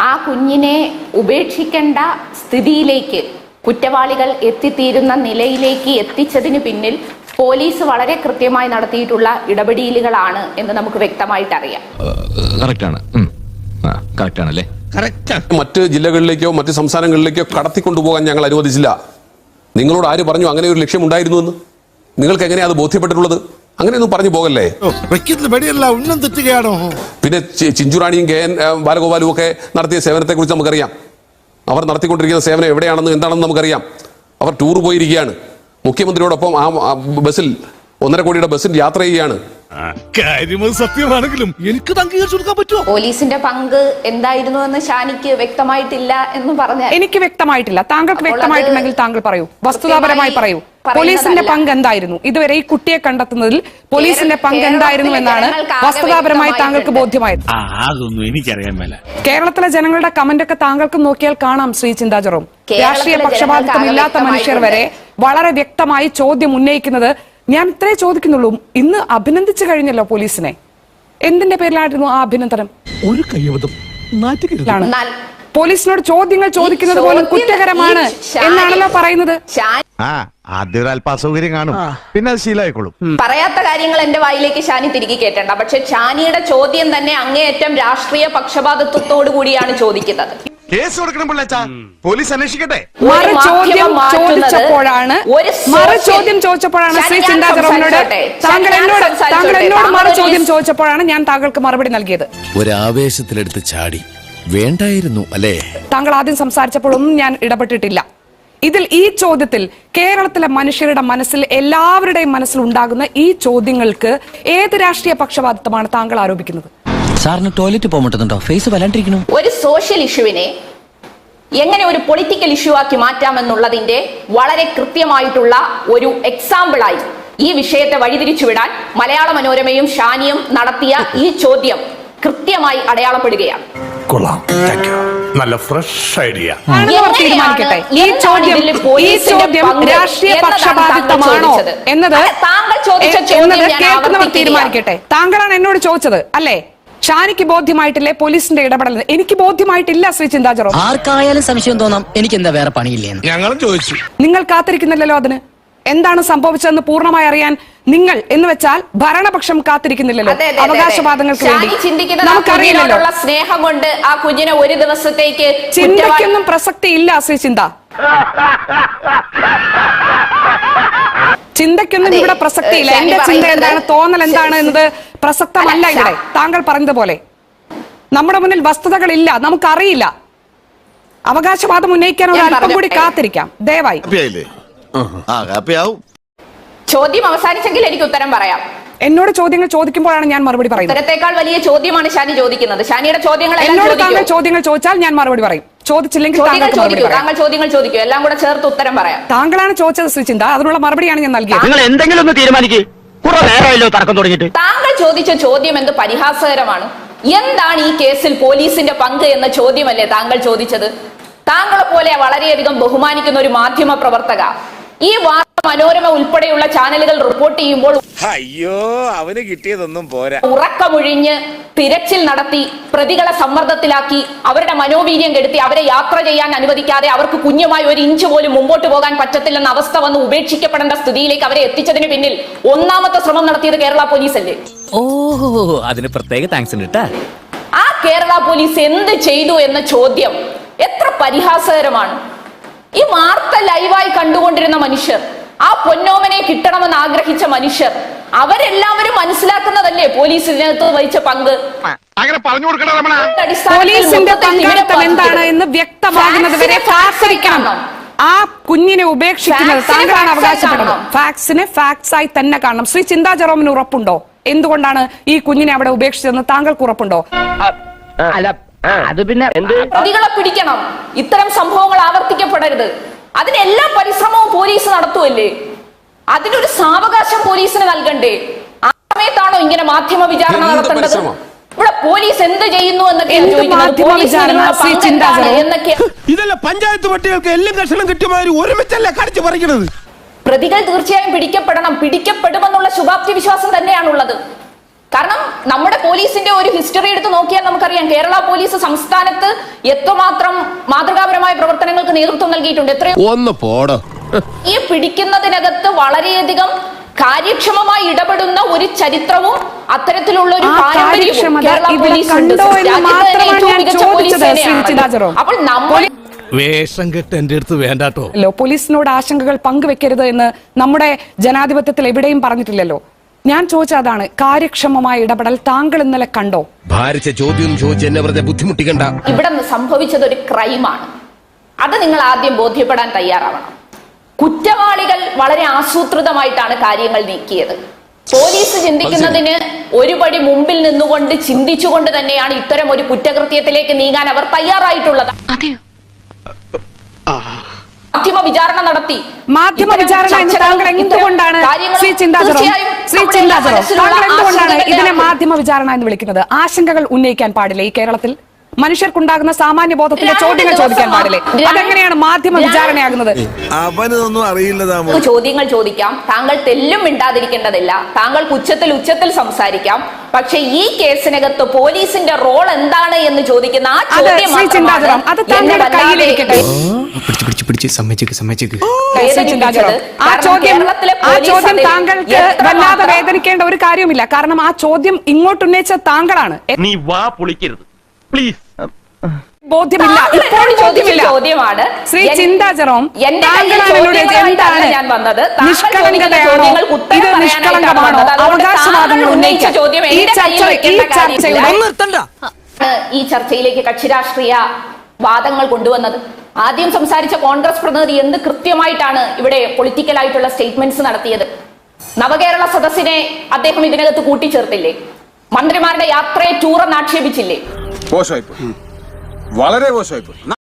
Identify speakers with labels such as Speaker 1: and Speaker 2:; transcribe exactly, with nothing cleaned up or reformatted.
Speaker 1: ആ കുഞ്ഞിനെ ഉപേക്ഷിക്കേണ്ട സ്ഥിതിയിലേക്ക് കുറ്റവാളികൾ എത്തിത്തീരുന്ന നിലയിലേക്ക് എത്തിച്ചതിന് പിന്നിൽ പോലീസ് വളരെ കൃത്യമായി നടത്തിയിട്ടുള്ള ഇടപെടലുകളാണ് എന്ന് നമുക്ക് വ്യക്തമായിട്ട് അറിയാം.
Speaker 2: മറ്റ് ജില്ലകളിലേക്കോ മറ്റ് സംസ്ഥാനങ്ങളിലേക്കോ കടത്തിക്കൊണ്ടുപോകാൻ ഞങ്ങൾ അനുവദിച്ചില്ല. നിങ്ങളോട് ആര് പറഞ്ഞു അങ്ങനെ ഒരു ലക്ഷ്യം ഉണ്ടായിരുന്നു എന്ന്? നിങ്ങൾക്ക് എങ്ങനെയാ അത് ബോധ്യപ്പെട്ടിട്ടുള്ളത്? അങ്ങനെയൊന്നും പറഞ്ഞു പോകല്ലേ. പിന്നെ ചിഞ്ചുറാണിയും കെ എൻ ബാലഗോപാലും ഒക്കെ നടത്തിയ സേവനത്തെ കുറിച്ച് നമുക്കറിയാം. അവർ നടത്തിക്കൊണ്ടിരിക്കുന്ന സേവനം എവിടെയാണെന്ന് എന്താണെന്ന് നമുക്കറിയാം. അവർ ടൂർ പോയിരിക്കുകയാണ്, മുഖ്യമന്ത്രിയോടൊപ്പം ആ ബസ്സിൽ ഒന്നര കോടിയുടെ ബസ്സിൽ യാത്ര ചെയ്യുകയാണ്.
Speaker 3: സത്യമാണെങ്കിലും എനിക്ക് അംഗീകരിച്ചു കൊടുക്കാൻ പറ്റുമോ?
Speaker 1: പോലീസിന്റെ പങ്ക് എന്തായിരുന്നു എന്ന് ഷാനിക്ക് വ്യക്തമായിട്ടില്ല എന്ന് പറഞ്ഞ
Speaker 4: എനിക്ക് വ്യക്തമായിട്ടില്ല. താങ്കൾക്ക് വ്യക്തമായിട്ടുണ്ടെങ്കിൽ താങ്കൾ പറയൂ, വസ്തുതാപരമായി പറയൂ. പോലീസിന്റെ പങ്ക് എന്തായിരുന്നു ഇതുവരെ ഈ കുട്ടിയെ കണ്ടെത്തുന്നതിൽ? പോലീസിന്റെ പങ്ക് എന്തായിരുന്നു എന്നാണ് വസ്തുതാപരമായി താങ്കൾക്ക് ബോധ്യമായത്?
Speaker 3: അതൊന്നും എനിക്കറിയാൻ മേല.
Speaker 4: കേരളത്തിലെ ജനങ്ങളുടെ കമന്റ് ഒക്കെ താങ്കൾക്ക് നോക്കിയാൽ കാണാം ശ്രീ ചിന്താ ജെറോം. രാഷ്ട്രീയ പക്ഷപാതിത്വം ഇല്ലാത്ത മനുഷ്യർ വരെ വളരെ വ്യക്തമായി ചോദ്യം ഉന്നയിക്കുന്നത്. ഞാൻ ഇത്രേ ചോദിക്കുന്നുള്ളൂ, ഇന്ന് അഭിനന്ദിച്ചു കഴിഞ്ഞല്ലോ പോലീസിനെ. എന്തിന്റെ പേരിലായിരുന്നു ആ അഭിനന്ദനം?
Speaker 3: ഒരു കയ്യബദ്ധം
Speaker 4: പോലീസിനോട് ചോദ്യങ്ങൾ ചോദിക്കുന്നത് പോലും കുറ്റകരമാണ് എന്നാണല്ലോ പറയുന്നത്.
Speaker 5: ആദ്യം ഒരു അല്പാസൗകര്യം കാണും, പിന്നെ അത് ശീലമായിക്കോളും.
Speaker 1: പറയാത്ത കാര്യങ്ങൾ എന്റെ വായിലേക്ക് ഷാനി തിരികെ കേട്ടണ്ട. പക്ഷെ ഷാനിയുടെ ചോദ്യം തന്നെ അങ്ങേയറ്റം രാഷ്ട്രീയ പക്ഷപാതിത്വത്തോടു കൂടിയാണ് ചോദിക്കുന്നത്.
Speaker 5: കേസ് കൊടുക്കണം പിള്ളേച്ചാ, പോലീസ് അന്വേഷിക്കട്ടെ.
Speaker 4: മറു ചോദ്യം ചോദിച്ചപ്പോഴാണ് മറു ചോദ്യം ചോദിച്ചപ്പോഴാണ് ശ്രീ ചിന്താ ജെറോമിനോട് താങ്കൾ എന്നോട് താങ്കൾ എന്നോട് മറു ചോദ്യം ചോദിച്ചപ്പോഴാണ് ഞാൻ താങ്കൾക്ക് മറുപടി നൽകിയത്.
Speaker 6: ഒരാവേശത്തിലെടുത്ത് ചാടി വേണ്ടായിരുന്നു അല്ലേ?
Speaker 4: താങ്കൾ ആദ്യം സംസാരിച്ചപ്പോഴൊന്നും ഞാൻ ഇടപെട്ടിട്ടില്ല. ഇതിൽ ഈ ചോദ്യത്തിൽ കേരളത്തിലെ മനുഷ്യരുടെ മനസ്സിൽ എല്ലാവരുടെയും മനസ്സിൽ ഉണ്ടാകുന്ന ഈ ചോദ്യങ്ങൾക്ക് ഏത് രാഷ്ട്രീയ പക്ഷപാതിത്വമാണ് താങ്കൾ ആരോപിക്കുന്നത്?
Speaker 6: സാറിന് ടോയ്ലറ്റ് പോകണ്ടോ? ഫേസ് വല്ലാണ്ടിരിക്കുന്നു.
Speaker 1: ഒരു സോഷ്യൽ ഇഷ്യൂവിനെ എങ്ങനെ ഒരു പൊളിറ്റിക്കൽ ഇഷ്യൂ ആക്കി മാറ്റാമെന്നുള്ളതിന്റെ വളരെ കൃത്യമായിട്ടുള്ള ഒരു എക്സാമ്പിളായി ഈ വിഷയത്തെ വഴിതിരിച്ചുവിടാൻ മലയാള മനോരമയും ഷാനിയും നടത്തിയ ഈ ചോദ്യം കൃത്യമായി അടയാളപ്പെടുകയാണ്.
Speaker 3: കൊള്ളാം, നല്ല ഫ്രഷ് ഐഡിയ.
Speaker 4: തീരുമാനിക്കട്ടെ, ഈ ചോദ്യം ഈ ചോദ്യം രാഷ്ട്രീയ പക്ഷപാതിത്വമാണോ എന്നത് കേൾക്കുന്നവർ തീരുമാനിക്കട്ടെ. താങ്കളാണ് എന്നോട് ചോദിച്ചത് അല്ലേ? ഷാനിക്ക് ബോധ്യമായിട്ടില്ലേ പോലീസിന്റെ ഇടപെടൽ? എനിക്ക് ബോധ്യമായിട്ടില്ല ശ്രീ ചിന്താ ജെറോം.
Speaker 7: ആർക്കായാലും സംശയം തോന്നാം, എനിക്ക് എന്താ വേറെ പണിയില്ലേ?
Speaker 3: ഞങ്ങളും ചോദിച്ചു.
Speaker 4: നിങ്ങൾ കാത്തിരിക്കുന്നില്ലല്ലോ അതിന്. എന്താണ് സംഭവിച്ചതെന്ന് പൂർണ്ണമായി അറിയാൻ നിങ്ങൾ എന്ന് വെച്ചാൽ ഭരണപക്ഷം കാത്തിരിക്കുന്നില്ലല്ലോ അവകാശവാദങ്ങൾക്ക് വേണ്ടി. നമുക്കറിയില്ലല്ലോ.
Speaker 1: സ്നേഹം കൊണ്ട് ആ കുഞ്ഞിനെ ഒരു ദിവസത്തേക്ക്
Speaker 4: ചിന്തയ്ക്കൊന്നും പ്രസക്തി ഇല്ല ശ്രീ ചിന്ത. ചിന്തയ്ക്കൊന്നും ഇവിടെ പ്രസക്തിയില്ല. എന്റെ ചിന്ത എന്താണ്, തോന്നൽ എന്താണ് എന്നത് പ്രസക്തമല്ല ഇവിടെ. താങ്കൾ പറഞ്ഞതുപോലെ നമ്മുടെ മുന്നിൽ വസ്തുതകളില്ല, നമുക്കറിയില്ല. അവകാശവാദം ഉന്നയിക്കാൻ ഒരു അല്പം കൂടി കാത്തിരിക്കാം ദയവായി.
Speaker 1: ചോദ്യം അവസാനിച്ചെങ്കിൽ എനിക്ക് ഉത്തരം പറയാം.
Speaker 4: എന്നോട് ചോദ്യങ്ങൾ ചോദിക്കുമ്പോഴാണ് ഞാൻ മറുപടി പറയുന്നത്.
Speaker 1: ഉത്തരത്തെക്കാൾ വലിയ ചോദ്യമാണ് ഷാനി ചോദിക്കുന്നത്. ഷാനിയുടെ ചോദ്യങ്ങൾ
Speaker 4: എന്നോട് താങ്കൾ ചോദ്യങ്ങൾ ചോദിച്ചാൽ ഞാൻ മറുപടി പറയും, ചോദിച്ചില്ലെങ്കിൽ
Speaker 1: താങ്കൾ ചോദ്യങ്ങൾ ചോദിക്കൂ, എല്ലാം കൂടെ ചേർത്ത് ഉത്തരം പറയാം.
Speaker 4: താങ്കളാണ് ചോദിച്ചത് ശ്രീ ചിന്ത, അതിനുള്ള മറുപടിയാണ് ഞാൻ നൽകിയത്.
Speaker 7: നിങ്ങൾ എന്തെങ്കിലും ഒന്ന് തീരുമാനിക്കൂ.
Speaker 1: താങ്കൾ ചോദിച്ച ചോദ്യം എന്ത് പരിഹാസകരമാണ്. എന്താണ് ഈ കേസിൽ പോലീസിന്റെ പങ്ക് എന്ന ചോദ്യമല്ലേ താങ്കൾ ചോദിച്ചത്? താങ്കളെ പോലെ വളരെയധികം ബഹുമാനിക്കുന്ന ഒരു മാധ്യമ പ്രവർത്തക ഈ വാർത്ത മനോരമ ഉൾപ്പെടെയുള്ള ചാനലുകൾ റിപ്പോർട്ട് ചെയ്യുമ്പോൾ
Speaker 3: അയ്യോ അവന് കിട്ടിയതൊന്നും പോരാ,
Speaker 1: ഉറക്കമൊഴിഞ്ഞ് തിരച്ചിൽ നടത്തി പ്രതികളെ സമ്മർദ്ദത്തിലാക്കി അവരുടെ മനോവീര്യം കെടുത്തി അവരെ യാത്ര ചെയ്യാൻ അനുവദിക്കാതെ അവർക്ക് കുഞ്ഞുമായി ഒരു ഇഞ്ച് പോലും മുമ്പോട്ട് പോകാൻ പറ്റത്തില്ലെന്ന അവസ്ഥ വന്ന് ഉപേക്ഷിക്കപ്പെടേണ്ട സ്ഥിതിയിലേക്ക് അവരെ എത്തിച്ചതിന് പിന്നിൽ ഒന്നാമത്തെ ശ്രമം നടത്തിയത് കേരള പോലീസ് അല്ലേ?
Speaker 6: ഓഹോ, അതിന് പ്രത്യേക താങ്ക്സ് ഉണ്ട്.
Speaker 1: ആ കേരള പോലീസ് എന്ത് ചെയ്തു എന്ന ചോദ്യം എത്ര പരിഹാസകരമാണ്. ഈ വാർത്ത ലൈവായി കണ്ടുകൊണ്ടിരുന്ന മനുഷ്യർ, ആ പൊന്നോമനെ കിട്ടണമെന്ന് ആഗ്രഹിച്ച മനുഷ്യർ, അവരെല്ലാവരും മനസ്സിലാക്കുന്നതല്ലേ പോലീസിനകത്ത് വഹിച്ച പങ്ക്.
Speaker 4: പോലീസിന്റെ പങ്കാളിത്തം എന്താണ് എന്ന് വ്യക്തമാകുന്നത് വരെ കാത്തിരിക്കണം. ആ കുഞ്ഞിനെ ഉപേക്ഷിക്കുന്നത് താങ്കളാണ് അവകാശപ്പെടുന്നത്. ഫാക്സിനെ ഫാക്സ് ആയി തന്നെ കാണണം. ശ്രീ ചിന്താ ജെറോമിന് ഉറപ്പുണ്ടോ എന്തുകൊണ്ടാണ് ഈ കുഞ്ഞിനെ അവിടെ ഉപേക്ഷിച്ചതെന്ന് താങ്കൾക്ക് ഉറപ്പുണ്ടോ?
Speaker 7: അത് പിന്നെ
Speaker 1: പ്രതികളെ പിടിക്കണം, ഇത്തരം സംഭവങ്ങൾ ആവർത്തിക്കപ്പെടരുത്, അതിനെല്ലാ പരിശ്രമവും പോലീസ് നടത്തുമല്ലേ? അതിനൊരു സാവകാശം പോലീസിന് നൽകണ്ടേ? ആ സമയത്താണോ ഇങ്ങനെ മാധ്യമ വിചാരണ നടത്തേണ്ടത്? ഇവിടെ പോലീസ് എന്ത് ചെയ്യുന്നു എന്നൊക്കെ
Speaker 3: ഇതല്ല പഞ്ചായത്ത് പട്ടികൾക്ക് എല്ലാം കഷണം കിട്ടിയമാതിരി ഒരുമിച്ചല്ല കടിച്ചു പറിക്കുന്നത്.
Speaker 1: പ്രതികൾ തീർച്ചയായും പിടിക്കപ്പെടണം, പിടിക്കപ്പെടുമെന്നുള്ള ശുഭാപ്തി വിശ്വാസം തന്നെയാണുള്ളത്. കാരണം നമ്മുടെ പോലീസിന്റെ ഒരു ഹിസ്റ്ററി എടുത്ത് നോക്കിയാൽ നമുക്കറിയാം കേരള പോലീസ് സംസ്ഥാനത്ത് എത്രമാത്രം മാതൃകാപരമായ പ്രവർത്തനങ്ങൾക്ക് നേതൃത്വം നൽകിയിട്ടുണ്ട്. എത്രയോ
Speaker 3: ഒന്ന് പോടോ.
Speaker 1: ഈ പിടിക്കുന്നതിനകത്ത് വളരെയധികം കാര്യക്ഷമമായി ഇടപെടുന്ന ഒരു ചരിത്രവും അത്തരത്തിലുള്ള ഒരു
Speaker 4: ആ
Speaker 1: പാരമ്പര്യവും
Speaker 4: കാര്യക്ഷമത
Speaker 1: കേരള
Speaker 4: ഇവിടെ
Speaker 1: പോലീസിനുണ്ട്.
Speaker 4: കണ്ടോ എന്ന്
Speaker 1: രാജ്യത്തെ
Speaker 4: മാത്രമാണ്
Speaker 1: ഏറ്റവും
Speaker 4: ഞാൻ
Speaker 1: മികച്ച പോലീസ്
Speaker 4: ചോദിച്ചത്, ശ്രീ
Speaker 1: സേനയാണ്.
Speaker 4: ചിദാചരോ.
Speaker 1: അപ്പോൾ നമ്മൾ
Speaker 3: വേഷം കെട്ട് എന്റെ അടുത്ത് വേണ്ടാട്ടോ.
Speaker 4: പോലീസിനോട് ആശങ്കകൾ പങ്കുവെക്കരുത് എന്ന് നമ്മുടെ ജനാധിപത്യത്തിൽ എവിടെയും പറഞ്ഞിട്ടില്ലല്ലോ. ഞാൻ ചോദിച്ച അതാണ്, കാര്യക്ഷമമായ ഇടപെടൽ താങ്കൾ ഇന്നലെ കണ്ടോ?
Speaker 3: ഭാരിച്ച ചോദ്യം ചോദിച്ച് എന്നെ വെറുതെ ബുദ്ധിമുട്ടിക്കണ്ട.
Speaker 1: ഇവിടെ സംഭവിച്ചത് ഒരു ക്രൈമാണ്. അത് നിങ്ങൾ ആദ്യം ബോധ്യപ്പെടാൻ തയ്യാറാവണം. കുറ്റവാളികൾ വളരെ ആസൂത്രിതമായിട്ടാണ് കാര്യങ്ങൾ നീക്കിയത്. പോലീസ് ചിന്തിക്കുന്നതിന് ഒരുപടി മുമ്പിൽ നിന്നുകൊണ്ട് ചിന്തിച്ചുകൊണ്ട് തന്നെയാണ് ഇത്തരം ഒരു കുറ്റകൃത്യത്തിലേക്ക് നീങ്ങാൻ അവർ തയ്യാറായിട്ടുള്ളത്. മാധ്യമ വിചാരണ നടത്തി.
Speaker 4: മാധ്യമ വിചാരണ എന്ന് താങ്കൾ എന്തുകൊണ്ടാണ് ശ്രീ ചിന്താചരോ ശ്രീ ചിന്താചരോ താങ്കൾ എന്തുകൊണ്ടാണ് ഇതിനെ മാധ്യമ വിചാരണ എന്ന് വിളിക്കുന്നത്? ആശങ്കകൾ ഉന്നയിക്കാൻ പാടില്ലേ ഈ കേരളത്തിൽ? മനുഷ്യർക്കുണ്ടാകുന്ന സാമാന്യ ബോധത്തിന്റെ ചോദ്യങ്ങൾ ചോദിക്കാൻ പാടില്ലേ? അതെങ്ങനെയാണ് മാധ്യമ വിചാരണയാകുന്നത്?
Speaker 3: അവനൊന്നും അറിയില്ലതാമോ.
Speaker 1: ചോദ്യങ്ങൾ ചോദിക്കാം, താങ്കൾ തെല്ലും മിണ്ടാതിരിക്കേണ്ടതില്ല, താങ്കൾക്ക് ഉച്ചത്തിൽ ഉച്ചത്തിൽ സംസാരിക്കാം. പക്ഷെ ഈ കേസിനകത്ത് പോലീസിന്റെ റോൾ എന്താണ് എന്ന് ചോദിക്കുന്ന ആ ചോദ്യം
Speaker 4: അത് താങ്കളുടെ കയ്യിലിരിക്കട്ടെ. ആ ചോദ്യം ആ ചോദ്യം താങ്കൾക്ക് വല്ലാതെ വേദനിക്കേണ്ട ഒരു കാര്യവുമില്ല. കാരണം ആ ചോദ്യം ഇങ്ങോട്ട് ഉന്നയിച്ച താങ്കളാണ്.
Speaker 8: നീ വാ പൊളിക്കരുത് പ്ലീസ്.
Speaker 4: ബോധ്യമില്ല, ഇപ്പോൾ ബോധ്യമില്ല.
Speaker 1: ചോദ്യമാണ്
Speaker 4: ശ്രീ ചിന്താചരോം,
Speaker 1: ഞാൻ വന്നത്
Speaker 4: നിഷ്കളങ്കതയാണോ ഇത് നിഷ്കളങ്കമാണോ അവകാശവാദങ്ങൾ ഉന്നയിച്ച ഈ ചർച്ചയിൽ
Speaker 1: ഈ ചർച്ചയിലേക്ക് കക്ഷി രാഷ്ട്രീയ വാദങ്ങൾ കൊണ്ടുവന്നത്? ആദ്യം സംസാരിച്ച കോൺഗ്രസ് പ്രതിനിധി എന്ത് കൃത്യമായിട്ടാണ് ഇവിടെ പൊളിറ്റിക്കൽ ആയിട്ടുള്ള സ്റ്റേറ്റ്മെന്റ്സ് നടത്തിയത്? നവകേരള സദസ്സിനെ അദ്ദേഹം ഇതിനകത്ത് കൂട്ടിച്ചേർത്തില്ലേ? മന്ത്രിമാരുടെ യാത്രയെ ടൂർ എന്ന് ആക്ഷേപിച്ചില്ലേ?
Speaker 9: മോശമായിപ്പോയി, വളരെ മോശമായിപ്പോയി.